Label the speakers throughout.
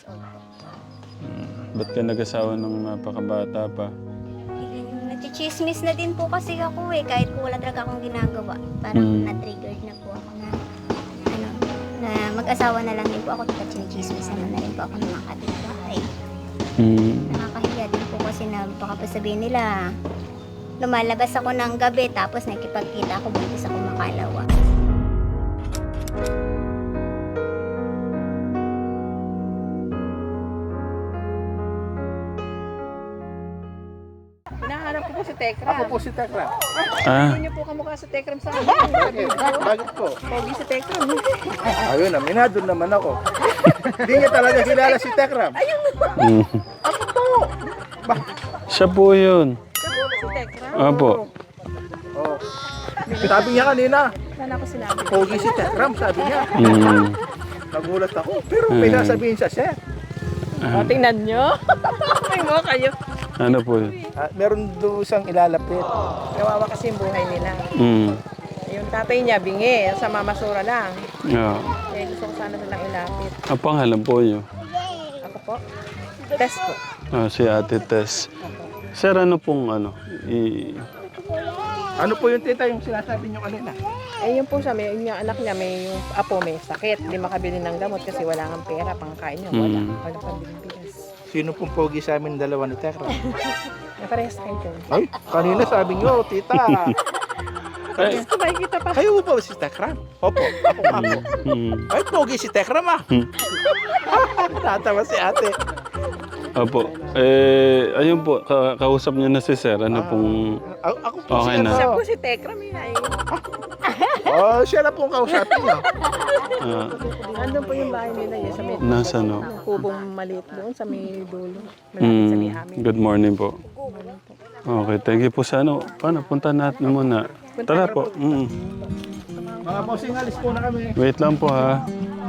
Speaker 1: old po.
Speaker 2: Ba't ka nag-asawa ng napakabata pa?
Speaker 1: Nagchichismis na din po kasi ako eh, kahit po wala talaga akong ginagawa. Parang na-triggered na po ako na, ano, na mag-asawa na lang din po ako, tapos chinichismis naman na rin po ako ng mga kapitbahay. Nakakahiya din po kasi na baka pa sabihin nila, lumalabas ako ng gabi tapos nakikipagkita ako buntis ako makalawa.
Speaker 3: Hinahanap ko po si Tekram.
Speaker 4: Ako po si Tekram.
Speaker 2: Ah,
Speaker 3: Hindi niyo po kamukha sa Tekram sa akin.
Speaker 4: Bakit? Bakit po?
Speaker 3: Pogi si Tekram.
Speaker 4: Ayun, aminado naman ako. Hindi niya talaga kilala si Tekram.
Speaker 2: mm.
Speaker 4: Ako po.
Speaker 2: Siya po yun.
Speaker 3: Kamukha ba si Tekram?
Speaker 2: Opo.
Speaker 4: Oh. Sabi niya kanina,
Speaker 3: Wala ko sinabi.
Speaker 4: pogi si Tekram, sabi niya. Nagulat ako. Pero may sasabihin siya, sir.
Speaker 3: O, tingnan niyo. May mo kayo.
Speaker 2: Ano po yun?
Speaker 4: Meron doon isang ilalapit.
Speaker 3: Kawawa kasi yung buhay nila. Yung tatay niya, bingi. Sa mamasura lang.
Speaker 2: Yeah.
Speaker 3: Eh, gusto ko sana silang ilapit.
Speaker 2: Ang pangalan po niyo?
Speaker 3: Ako po. Test po.
Speaker 2: Si Ate Tess. Sir, ano pong ano?
Speaker 4: Ano po yung tita yung sinasabi niyo kanina?
Speaker 3: Eh, yun po siya, may, yung anak niya, may yung apo may sakit. Hindi makabili ng gamot kasi wala kang pera, pangkain niya. Wala. Wala pang bilis.
Speaker 4: Sino pong pogi sa amin dalawa ni Tekram?
Speaker 3: May parehas kayo dyan.
Speaker 4: Ay, kanina sabi niyo, tita.
Speaker 2: Ay,
Speaker 3: Sabay kita pa.
Speaker 4: Kayo ba si Tekram? Opo, ako nga po. Ay, pogi si Tekram ah. Natawa si ate.
Speaker 2: Opo. Ayun po, kausap niyo na si Sir. Ano pong...
Speaker 4: Ako po
Speaker 2: Okay
Speaker 4: si
Speaker 2: na.
Speaker 3: Siya
Speaker 4: ano.
Speaker 3: po si Tekram yun ay.
Speaker 4: Oh, siya na pong kausapin niyo.
Speaker 3: Andun po yung bahay nila yun sa may
Speaker 2: Nasa no?
Speaker 3: yung kubong maliit doon sa may dulo. Malapit sa may amin.
Speaker 2: Good morning po. Okay, thank you po sa ano. Paano, punta natin muna. Tara po.
Speaker 4: Mga bossing, alis po na kami.
Speaker 2: Wait lang po ha.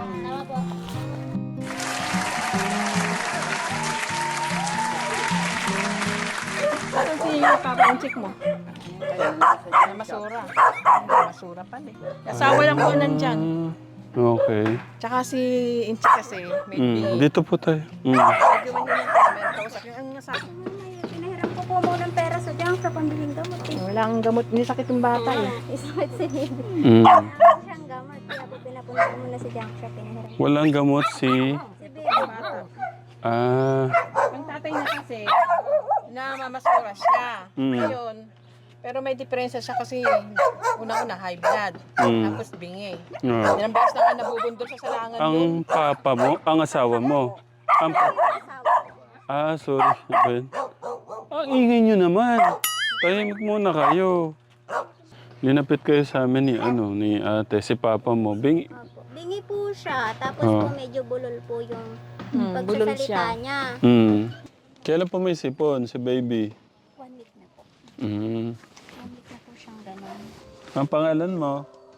Speaker 3: Saan si Papa ang chick mo? Ay, masura. Masura pa eh. Asawa lang po nandyan.
Speaker 2: Okay.
Speaker 3: Tsaka si Inchi kasi, may
Speaker 2: Dito po tayo.
Speaker 3: medyo mahirap pa. Meron kausap yung ang asawa.
Speaker 1: Pinahiram ko po muna ng pera sa diyang sa pambiling gamot eh.
Speaker 3: Wala ang gamot, hindi sakit yung bata eh.
Speaker 1: Isakit si Baby.
Speaker 2: Mm.
Speaker 1: Siyang gamot. Kaya po pinapunta ko muna sa junk shop. Pinahiram ko
Speaker 2: Walang gamot si...
Speaker 1: si Baby.
Speaker 3: Bata.
Speaker 2: Ah...
Speaker 3: Ang tatay niya kasi, namamasura siya. Ngayon, pero may diferensya siya kasi una-una high blood, tapos bingi. Ilang beses na nga nabubundol sa salangan
Speaker 2: Ang
Speaker 3: yun.
Speaker 2: papa mo, ang asawa mo. Ang sorry. Ben. Ang ingay nyo naman. Tahimik muna kayo. Linapit kayo sa amin ni ate, si papa mo.
Speaker 1: Opo. Bingi po siya. Tapos po medyo bulol po yung
Speaker 3: bulol
Speaker 1: pagsasalita
Speaker 3: siya.
Speaker 1: niya.
Speaker 2: Kailan pa may sipon, si baby?
Speaker 1: 1 week na po. 1
Speaker 2: Mm.
Speaker 1: week na po siyang ganun.
Speaker 2: Ang pangalan mo?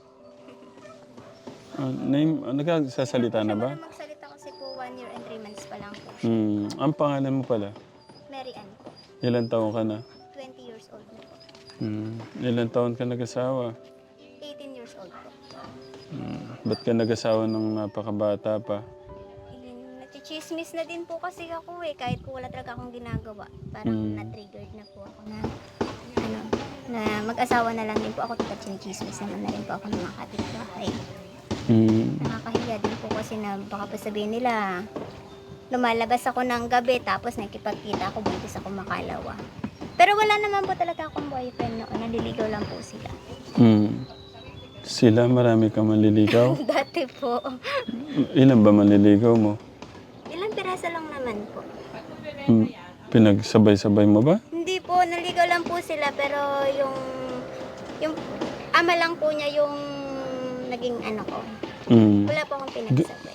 Speaker 2: Name, nagsasalita na ba?
Speaker 1: Wala magsalita kasi po 1 year and 3 months pa lang po.
Speaker 2: Ang pangalan mo pala?
Speaker 1: Mary Ann po.
Speaker 2: Ilan taon ka na?
Speaker 1: 20 years old na po.
Speaker 2: Ilan taon ka nag-asawa?
Speaker 1: 18 years old po.
Speaker 2: Ba't ka nag-asawa ng napakabata pa?
Speaker 1: Nagchichismis na din po kasi ako eh, kahit po wala talaga akong ginagawa. Parang na-triggered na po ako na, ano, na mag-asawa na lang din po ako, tapos chinichismis naman na rin po ako ng mga kapitbahay. Nakakahiya din po kasi na baka pa sabihin nila, lumalabas ako ng gabi tapos nakikipagkita ako, buntis ako makalawa. Pero wala naman po talaga akong boyfriend noon, naliligaw lang po sila.
Speaker 2: Sila, marami ka manliligaw?
Speaker 1: Dati po.
Speaker 2: Ilan ba manliligaw mo?
Speaker 1: Ilang pirasa lang naman po.
Speaker 2: Pinagsabay-sabay mo ba?
Speaker 1: Hindi po, naligaw lang po sila pero yung ama lang po niya yung naging ano ko. Wala po akong pinagsabay.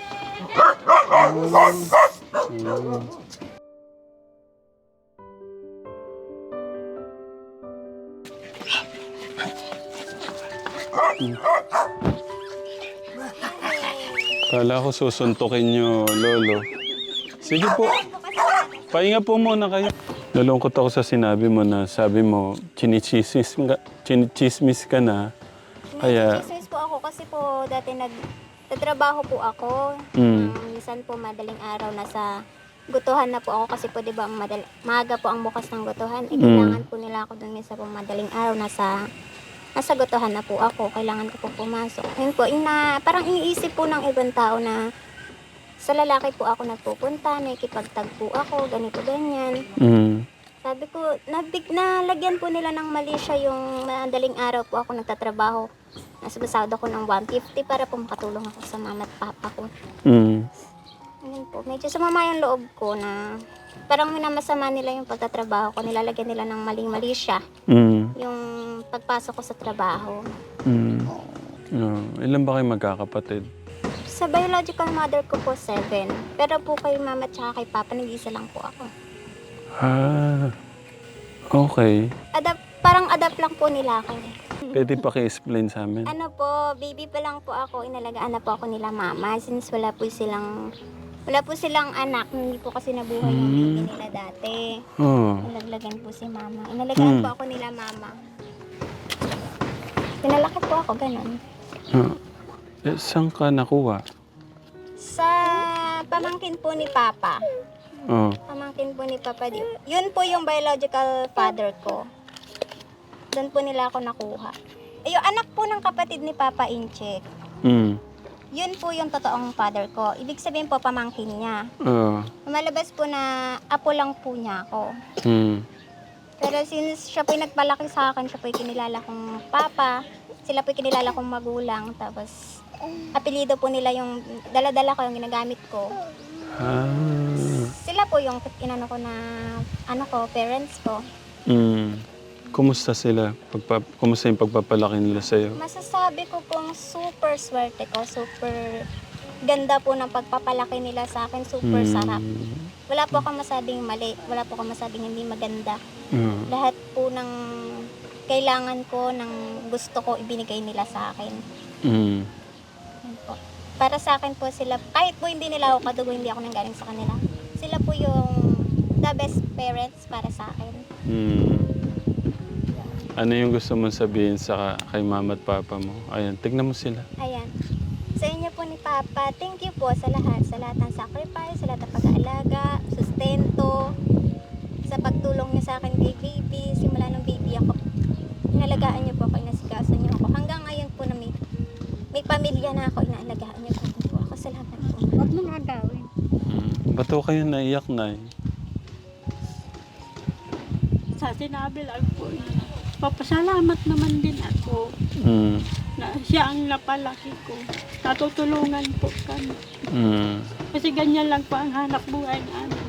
Speaker 2: Kala ko susuntukin nyo, Lolo. Sige po. Pahinga po muna kayo. Nalungkot ako sa sinabi mo na sabi mo, chinichismis ka na. Kaya,
Speaker 1: Chismis po ako kasi po dati Tatrabaho po ako. Minsan po madaling araw nasa gutuhan na po ako kasi po 'di ba maaga po ang bukas ng gutuhan. Kailangan po nila ako doon minsan po madaling araw nasa gutuhan na po ako. Kailangan ko po pumasok. Yun po, parang iniisip po ng ibang tao na sa lalaki po ako nagpupunta, nakikipagtagpo ako, ganito ganyan. Sabi ko, nalagyan po nila ng mali siya yung madaling araw po ako nagtatrabaho. Nasabasado ko ng 150 para po makatulong ako sa mama at papa ko. Ayun po, medyo sumama yung loob ko na parang minamasama nila yung pagtatrabaho ko. Nilalagyan nila ng maling-mali siya. Yung pagpasok ko sa trabaho.
Speaker 2: Ilan ba kayo magkakapatid?
Speaker 1: Sa biological mother ko po, 7. Pero po kay mama at kay papa, nag-isa lang po ako.
Speaker 2: Okay.
Speaker 1: Parang adapt lang po nila ako.
Speaker 2: Pwede pa i-explain sa amin?
Speaker 1: Ano po, baby pa lang po ako, inalagaan na po ako nila mama. Since wala po silang anak, hindi po kasi nabuhay yung baby nila dati. Nalaglagan po si mama. Inalagaan po ako nila mama. Pinalaki po ako, ganun.
Speaker 2: Saan ka nakuha?
Speaker 1: Sa pamangkin po ni Papa. Pamangkin po ni Papa. Yun po yung biological father ko. Doon po nila ako nakuha. Yung anak po ng kapatid ni Papa Incheck. Yun po yung totoong father ko. Ibig sabihin po, pamangkin niya. Malabas po na apo lang po niya ako. Pero since siya po yung nagpalaki sa akin, siya po yung kinilala kong papa, sila po yung kinilala kong magulang, tapos apelido po nila yung dala-dala ko, yung ginagamit ko. Sila po yung inano ko na, parents ko.
Speaker 2: Kumusta sila? Kumusta yung pagpapalaki nila sa'yo?
Speaker 1: Masasabi ko pong super swerte ko, super ganda po ng pagpapalaki nila sa akin, super sarap. Wala po akong masabing mali, wala po akong masabing hindi maganda. Lahat po ng kailangan ko, ng gusto ko, ibinigay nila sa akin. Yun po. Para sa akin po sila, kahit po hindi nila ako kadugo, hindi ako nanggaling sa kanila. Sila po yung the best parents para sa akin.
Speaker 2: Ano yung gusto mong sabihin kay mama at papa mo? Ayan, tignan mo sila.
Speaker 1: Ayan. Sa inyo po ni Papa, thank you po sa lahat ng sacrifice, sa lahat ng pag-aalaga, sustento, sa pagtulong niyo sa akin kay baby, simula nung baby ako. Inalagaan niyo po ako, inasikasan niyo ako. Hanggang ngayon po na may pamilya na ako, inaalagaan niyo po ako. Salamat po. Huwag mong agawin.
Speaker 2: Ba't ko kayo naiyak na
Speaker 5: Sa sinabi lang po, papasalamat naman din ako na siya ang napalaki ko. Natutulungan po kami. Kasi ganyan lang po ang hanap buhay namin.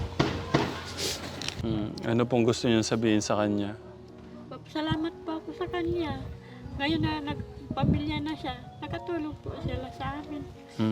Speaker 2: Ano pong gusto niyo sabihin sa kanya?
Speaker 5: Papasalamat po ako sa kanya. Ngayon na nagpamilya na siya, nakatulong po sila sa amin.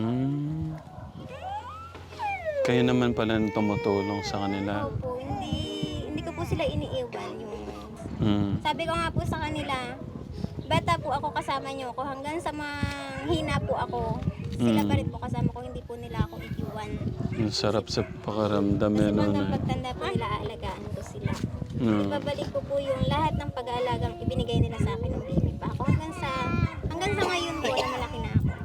Speaker 2: Kayo naman pala tumutulong sa kanila.
Speaker 1: Opo, hindi ko po sila iniiwan. Sabi ko nga po sa kanila, bata po ako, kasama niyo ako. Hanggang sa mahina po ako, sila pa rin po kasama ko, hindi po nila ako iiwan.
Speaker 2: Ang sarap sa pakaramdam
Speaker 1: Kasi
Speaker 2: yan.
Speaker 1: hanggang pagtanda po nila, aalagaan ko sila. Ibabalik ko po yung lahat ng pag-aalagang ibinigay nila sa akin ng baby pa ako. Hanggang sa ngayon po, na malaki na ako.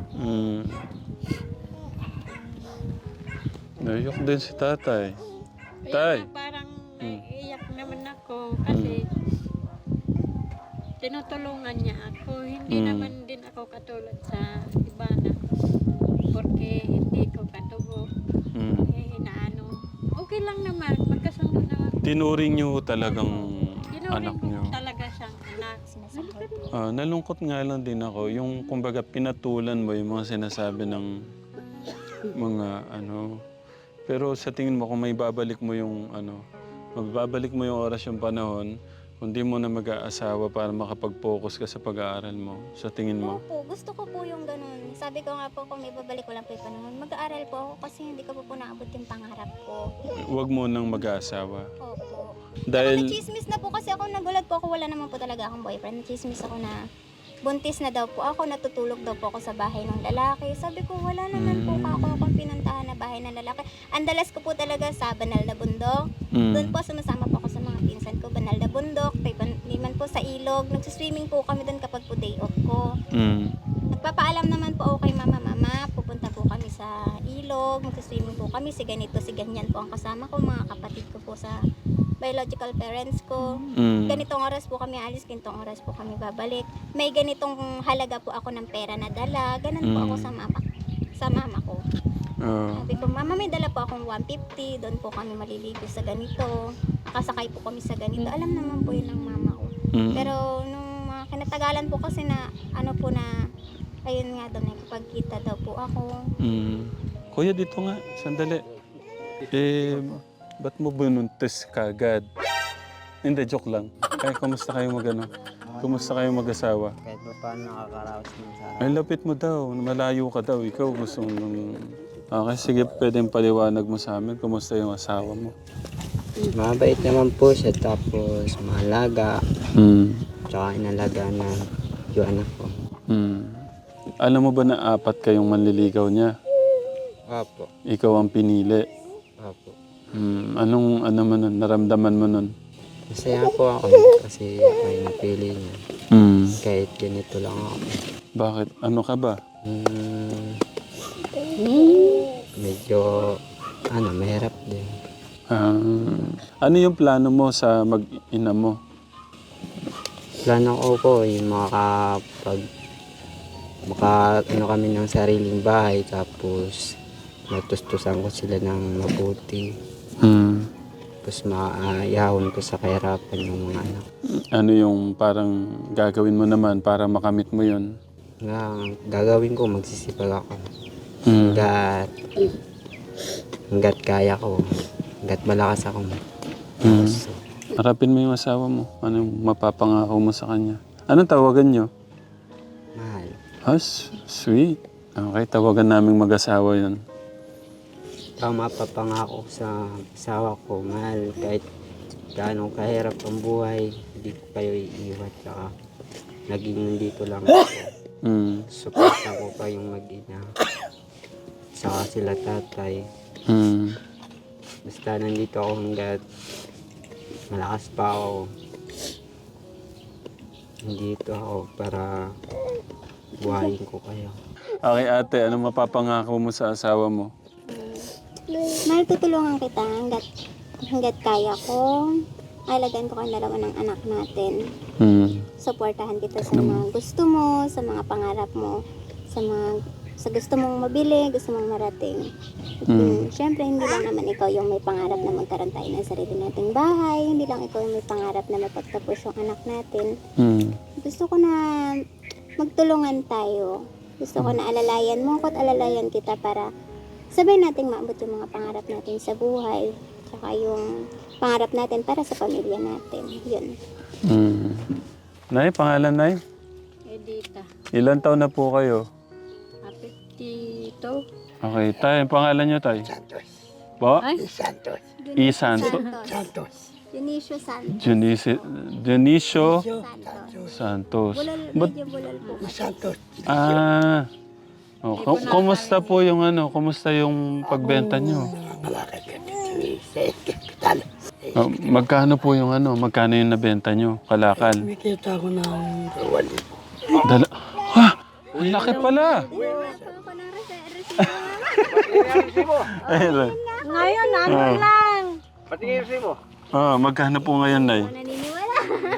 Speaker 2: Naiyak din si tatay. Tay!
Speaker 5: Kaya parang naiiyak naman ako kasi tinutulungan niya ako. Hindi naman din ako katulad sa iba na porque hindi ko katubo. Inaano. Okay lang naman. Magkasundo naman.
Speaker 2: Tinuring niyo talagang anak niyo.
Speaker 5: Talaga siyang anak.
Speaker 2: Nalungkot nga lang din ako. Yung kumbaga pinatulan mo yung mga sinasabi ng mga Pero sa tingin mo kung may babalik mo yung mababalik mo yung oras, yung panahon, hindi mo na mag-aasawa para makapag-focus ka sa pag-aaral mo, sa tingin mo?
Speaker 1: Opo, gusto ko po yung ganun. Sabi ko nga po, kung may babalik ko lang po yung panahon, mag-aaral po ako kasi hindi ko po naabot yung pangarap ko.
Speaker 2: Huwag mo nang mag-aasawa.
Speaker 1: Opo.
Speaker 2: Dahil...
Speaker 1: Nachismis na po kasi ako, nagulat po ako, wala naman po talaga akong boyfriend. Nachismis ako na buntis na daw po ako, natutulog daw po ako sa bahay ng lalaki. Sabi ko, wala naman po akong pinuntahan na bahay ng lalaki. Ang dalas ko po talaga sa Banal na Bundok. Doon po sumasama po ako sa mga pinsan ko, Banal na Bundok, liman po sa ilog. Nagsiswimming po kami doon kapag po day off ko. Nagpapaalam naman po ako kay mama, pupunta sa ilog, magsiswimming po kami, si ganito, si ganyan po ang kasama ko, mga kapatid ko po sa biological parents ko. Ganitong oras po kami alis, ganitong oras po kami babalik. May ganitong halaga po ako ng pera na dala, ganun po ako sa mama ko. Sabi ko, mama, may dala po akong 150, doon po kami maliligo sa ganito, kasakay po kami sa ganito. Alam naman po yun ng mama ko. Pero nung mga kinatagalan po kasi na ano po na ayun nga daw, nakipagkita daw po ako.
Speaker 2: Kuya, dito nga, sandali. Ba't mo binuntis kagad? Hindi, joke lang. Kaya kumusta kayo Kumusta kayo mag-asawa?
Speaker 6: Kahit pa paano nakakaraos mo sa
Speaker 2: Ay, lapit mo daw. Malayo ka daw. Ikaw gusto mo Okay, sige, pwedeng paliwanag mo sa amin. Kumusta yung asawa mo?
Speaker 6: Mabait naman po siya, tapos mahalaga. Tsaka inalaga na yung anak ko.
Speaker 2: Alam mo ba na 4 kayong manliligaw niya?
Speaker 6: Opo.
Speaker 2: Ikaw ang pinili.
Speaker 6: Opo.
Speaker 2: Anong naramdaman mo nun?
Speaker 6: Masaya po ako kasi ako yung napili niya. Kahit ganito lang ako.
Speaker 2: Bakit? Ano ka ba?
Speaker 6: Medyo, mahirap din.
Speaker 2: Ano yung plano mo sa mag-ina mo?
Speaker 6: Plano ko po yung kami ng sariling bahay, tapos matustusan ko sila ng mabuti. Tapos maayahon ko sa kahirapan yung mga anak.
Speaker 2: Ano yung parang gagawin mo naman para makamit mo yun?
Speaker 6: Gagawin ko, magsisipag ako. Hanggat kaya ko. Hanggat malakas ako.
Speaker 2: Harapin mo yung asawa mo. Anong mapapangako mo sa kanya? Anong tawagan nyo?
Speaker 6: Mahal.
Speaker 2: Sweet. Okay, tawagan naming mag-asawa yun.
Speaker 6: Ang mapapangako sa asawa ko, mahal, kahit gaano kahirap ang buhay, hindi ko kayo iiwan. Saka naging nandito lang ako. Suporta ko pa yung mag-ina. Saka sila tatay. Basta nandito ako hanggat malakas pa ako. Nandito ako para buhayin ko kayo.
Speaker 2: Okay ate, ano mapapangako mo sa asawa mo?
Speaker 1: Mahal, tutulungan kita hanggat kaya ko. Alagaan ko ang dalawa ng anak natin. Suportahan kita sa mga gusto mo, sa mga pangarap mo, sa gusto mong mabili, gusto mong marating. Siyempre, hindi lang naman ikaw yung may pangarap na magkaroon tayo ng sarili nating bahay. Hindi lang ikaw yung may pangarap na mapagtapos yung anak natin. Gusto ko na magtulungan tayo. Gusto ko na alalayan mo ko at alalayan kita para sabay nating maabot yung mga pangarap natin sa buhay. Tsaka yung pangarap natin para sa pamilya natin. Yun.
Speaker 2: Nay, pangalan Nay?
Speaker 5: Edita.
Speaker 2: Ilan taon na po kayo?
Speaker 5: 52.
Speaker 2: Okay, tay, pangalan nyo tay?
Speaker 7: Santos.
Speaker 2: Po?
Speaker 5: Ay?
Speaker 7: Santos.
Speaker 2: Santos.
Speaker 1: Dionisio Santos.
Speaker 2: Dionisio
Speaker 1: Santos.
Speaker 2: Santos.
Speaker 1: Medyo bulal po.
Speaker 7: Santos.
Speaker 2: Kumusta po yung kumusta yung pagbenta nyo? Magkano po yung magkano yung nabenta nyo? Kalakal?
Speaker 7: Nakikita ko ng
Speaker 2: Ang laki pala!
Speaker 5: Ngayon, lang.
Speaker 2: Magkano po ngayon, Nay?
Speaker 1: Naniniwala.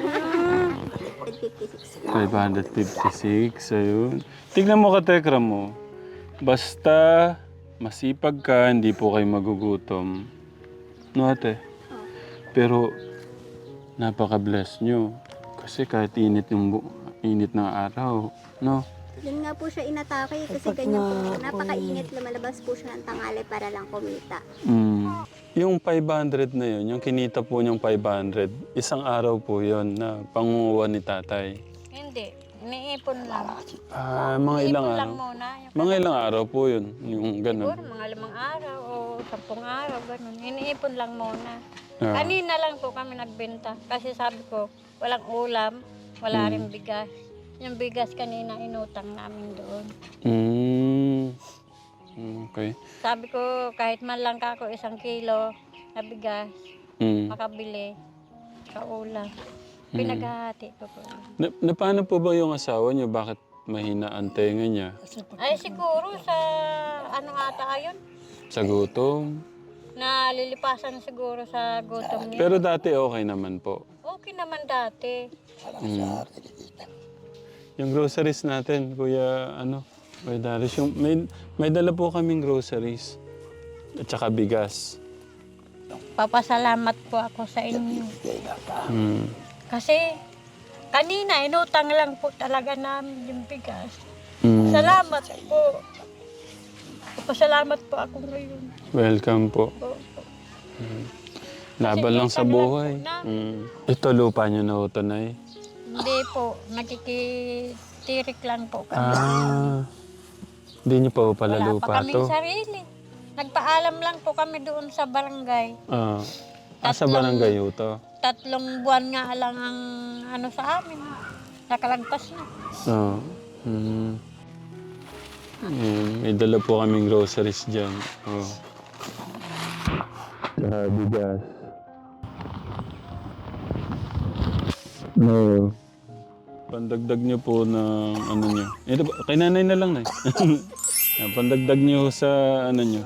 Speaker 2: 556. Ayun. Tignan mo ka, Tekra mo. Basta masipag ka, hindi po kayo magugutom. No, ate? Pero napaka-bless nyo. Kasi kahit init ng araw, no?
Speaker 1: Yun nga po siya inatake kasi ganyan po. Napakainit, lumalabas po siya ng tanghali para lang kumita.
Speaker 2: Yung 500 na yun, yung kinita po niyang 500, isang araw po yun na pangunguha ni tatay.
Speaker 5: Hindi. Iniipon lang.
Speaker 2: Mga ilang
Speaker 5: Iniipon
Speaker 2: araw?
Speaker 5: lang muna.
Speaker 2: Mga ilang araw po yun, yung ganun.
Speaker 5: Siguro mga 5 araw o 10 araw, ganun. Iniipon lang muna. Kanina lang po kami nagbenta. Kasi sabi ko, walang ulam, wala rin bigas. Yung bigas kanina inutang namin doon.
Speaker 2: Okay.
Speaker 5: Sabi ko, kahit man lang kako 1 kilo na bigas, makabili sa ulam. Pinaghahati ko po.
Speaker 2: Na paano po ba yung asawa niyo? Bakit mahina ang tenga niya?
Speaker 5: Ay siguro sa ano ata yun,
Speaker 2: Sa gutom?
Speaker 5: nalilipasan siguro sa gutom niya.
Speaker 2: Pero dati okay naman po.
Speaker 5: Okay naman dati.
Speaker 2: Mm. Yung groceries natin, Kuya Darius, yung may dala po kaming groceries. At saka bigas.
Speaker 5: Papasalamat po ako sa inyo.
Speaker 2: Mm.
Speaker 5: Kasi kanina inutang lang po talaga namin yung bigas.
Speaker 2: Mm.
Speaker 5: Salamat po. Papasalamat po ako ngayon.
Speaker 2: Welcome po.
Speaker 5: Po.
Speaker 2: Laban lang sa
Speaker 5: utang lang
Speaker 2: buhay.
Speaker 5: po na.
Speaker 2: Ito lupa nyo na ito, Nay.
Speaker 5: Hindi po, nakikitirik lang po kami.
Speaker 2: Hindi nyo pa po pala
Speaker 5: Wala
Speaker 2: lupa
Speaker 5: pa kaming
Speaker 2: to.
Speaker 5: sarili. Nagpaalam lang po kami doon sa barangay.
Speaker 2: Sa barangay ho to.
Speaker 5: 3 buwan nga lang ang ano sa amin. Nakalagpas na.
Speaker 2: May dala po kaming groceries dyan. Saka bigas. No. Pandagdag nyo po ng ano nyo. Ito, kay nanay na lang, Nay. Pandagdag nyo sa ano nyo.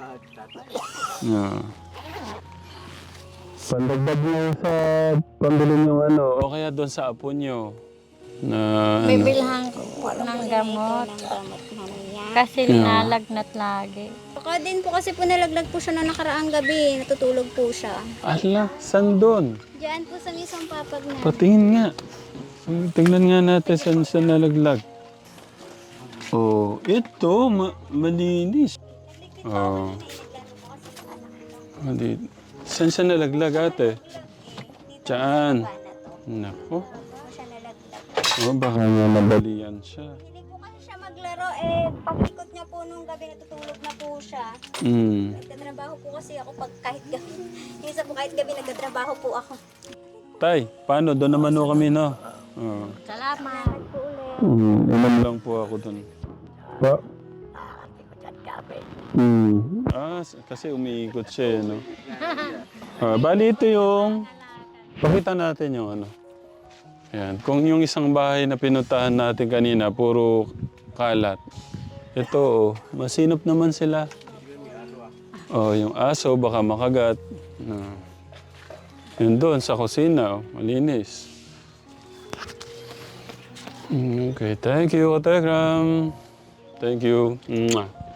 Speaker 2: Pandagdag nyo sa pambili nyo ano. O kaya doon sa apo nyo. Na ano.
Speaker 5: Bibilhan ko po ng gamot.
Speaker 1: Gamot mamaya.
Speaker 5: Kasi linalagnat lagi.
Speaker 1: Baka din po kasi po nalaglag po siya noong nakaraang gabi. Natutulog po siya.
Speaker 2: Ala, saan doon?
Speaker 1: Diyan po sa mismong papag na.
Speaker 2: Patingin nga. Tingnan nga natin saan siya nalaglag. Oh, ito, malinis. Oh. Saan siya nalaglag, ate? Diyan. Nako.
Speaker 1: Siya nalaglag.
Speaker 2: Oh, baka nga nabalian siya.
Speaker 1: Hindi po kasi siya maglaro pag-ikot niya po nung gabi natutulog na po siya. Nagtatrabaho po kasi ako pag kahit gabi. Minsan po kahit gabi nagtatrabaho po ako.
Speaker 2: Tay, paano? Doon naman ho kami, no?
Speaker 5: Salamat.
Speaker 2: Inom lang po ako doon. Pa? Kasi umiikot siya, no? Bali ito yung... Pakita natin yung ano. Ayan. Kung yung isang bahay na pinuntahan natin kanina, puro kalat. Ito, masinop naman sila. Yung aso, baka makagat. Yun doon, sa kusina, malinis. Okay, thank you, Telegram. Thank you. Mwah.